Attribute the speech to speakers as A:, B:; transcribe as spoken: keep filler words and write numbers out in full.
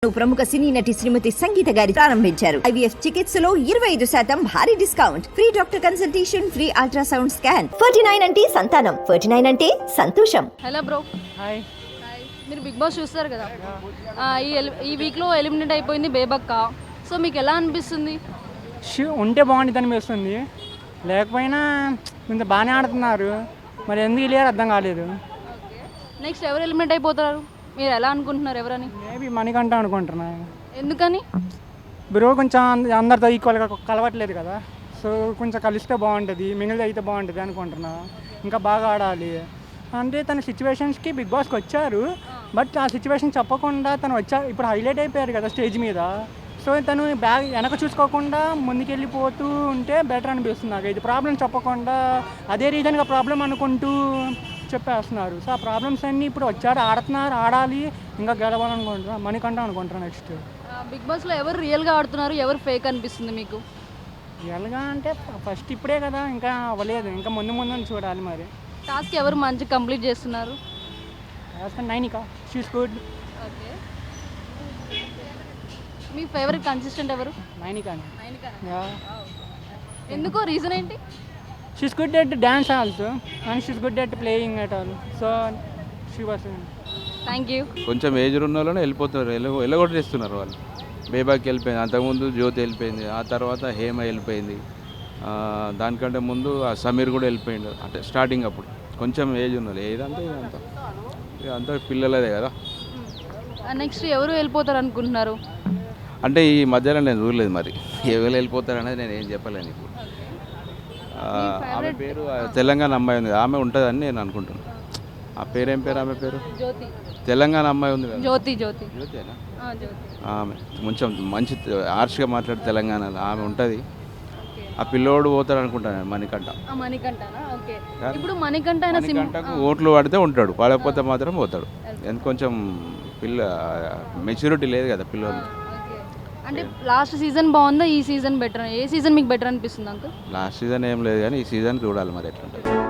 A: ప్రముఖ సినీ నటి శ్రీమతి సంగీత గారి ప్రారంభించారు. ఐవీఎఫ్ చికిత్సలో ఇరవై ఐదు శాతం భారీ discount, free doctor consultation, free ultrasound scan. Forty nine అంటే సంతానం, ఫార్టీ నైన్ అంటే సంతోషం.
B: Hello bro.
C: హాయ్.
B: మీరు బిగ్ బాస్ చూస్తారు కదా, ఈ ఈ వీక్లో ఎలిమినేట్ అయిపోయింది బేబక్క. సో మీకు ఎలా అనిపిస్తుంది?
C: ఉంటే బాగుంటుంది అనిపిస్తుంది, లేకపోయినా కొంచెం బాగానే ఆడుతున్నారు, మరి ఎందుకు వెళ్ళారు అర్థం కాలేదు.
B: నెక్స్ట్ ఎవరు ఎలిమినేట్ అయిపోతారు మీరు ఎలా అనుకుంటున్నారు? ఎవరని?
C: మేబీ మణికంఠ అనుకుంటున్నా.
B: ఎందుకని?
C: బ్రో కొంచెం అందరితో ఈక్వల్గా కలవట్లేదు కదా, సో కొంచెం కలిస్తే బాగుంటుంది, మిగిలితే అయితే బాగుంటుంది అనుకుంటున్నా. ఇంకా బాగా ఆడాలి అంటే తన సిచ్యువేషన్స్కి బిగ్ బాస్కి వచ్చారు, బట్ ఆ సిచ్యువేషన్ చెప్పకుండా తను వచ్చా ఇప్పుడు హైలైట్ అయిపోయారు కదా స్టేజ్ మీద. సో తను బ్యాగ్ వెనక చూసుకోకుండా ముందుకెళ్ళిపోతూ ఉంటే బెటర్ అనిపిస్తుంది నాకు. ఇది ప్రాబ్లం చెప్పకుండా అదే రీజన్గా ప్రాబ్లం అనుకుంటూ చెప్పేస్తున్నారు. సో ఆ ప్రాబ్లమ్స్ అన్నీ ఇప్పుడు వచ్చారు, ఆడుతున్నారు, ఆడాలి, ఇంకా గెలవాలనుకుంటున్నా. మణికంఠ అనుకుంటున్నా నెక్స్ట్.
B: బిగ్ బాస్లో ఎవరు రియల్గా ఆడుతున్నారు, ఎవరు ఫేక్ అనిపిస్తుంది మీకు?
C: రియల్గా అంటే ఫస్ట్ ఇప్పుడే కదా, ఇంకా అవ్వలేదు, ఇంకా ముందు ముందు చూడాలి. మరి
B: టాస్క్ ఎవరు మంచి కంప్లీట్ చేస్తున్నారు?
C: Nainika, she's good.
B: ఓకే, మీ ఫేవరెట్ కంటెస్టెంట్ ఎవరు?
C: నైనిక.
B: ఎందుకో రీజన్ ఏంటి?
C: She's good at dance also and she's good at playing at all, so she was.
B: Thank you.
D: కొంచెం ఏజ్ ఉన్న వాళ్ళని వెళ్ళిపోతున్నారు, వెళ్ళ వెళ్ళగొట్టేస్తున్నారు వాళ్ళు. బేబాకి వెళ్ళిపోయింది, అంతకుముందు జ్యోతి వెళ్ళిపోయింది, ఆ తర్వాత హేమ వెళ్ళిపోయింది, దానికంటే ముందు సమీర్ కూడా వెళ్ళిపోయిండు. అంటే స్టార్టింగ్ అప్పుడు కొంచెం ఏజ్ ఉన్నది, ఏదంతా ఇదంతా అంతా పిల్లలదే కదా.
B: నెక్స్ట్ ఎవరు వెళ్ళిపోతారు అనుకుంటున్నారు?
D: అంటే ఈ మధ్యలో నేను చూడలేదు, మరి ఎవరు వెళ్ళిపోతారు అనేది నేను ఏం చెప్పలేను ఇప్పుడు. ఆమె పేరు తెలంగాణ అమ్మాయి ఉంది, ఆమె ఉంటుందని నేను అనుకుంటున్నాను. ఆ పేరు ఏం పేరు? ఆమె పేరు
B: జ్యోతి.
D: తెలంగాణ అమ్మాయి ఉంది కదా,
B: జ్యోతి. జ్యోతి
D: జ్యోతినా?
B: జ్యోతి.
D: ఆమె కొంచెం మంచి హార్ష్గా మాట్లాడే తెలంగాణలో ఆమె ఉంటుంది. ఆ పిల్లోడు పోతాడు అనుకుంటాను, మణికంఠ.
B: మణికంఠనా? ఓకే. ఇప్పుడు మణికంఠ
D: మణికంఠకు ఓట్లు పడితే ఉంటాడు, పడకపోతే మాత్రం పోతాడు. ఎందుకు కొంచెం పిల్ల మెచ్యూరిటీ లేదు కదా పిల్లోడు.
B: అంటే లాస్ట్ సీజన్ బాగుందా, ఈ సీజన్ బెటర్? ఏ సీజన్ మీకు బెటర్ అనిపిస్తుంది అంకుల్?
D: లాస్ట్ సీజన్ ఏం లేదు కానీ ఈ సీజన్ చూడాలి మరి ఎట్లుంటుంది.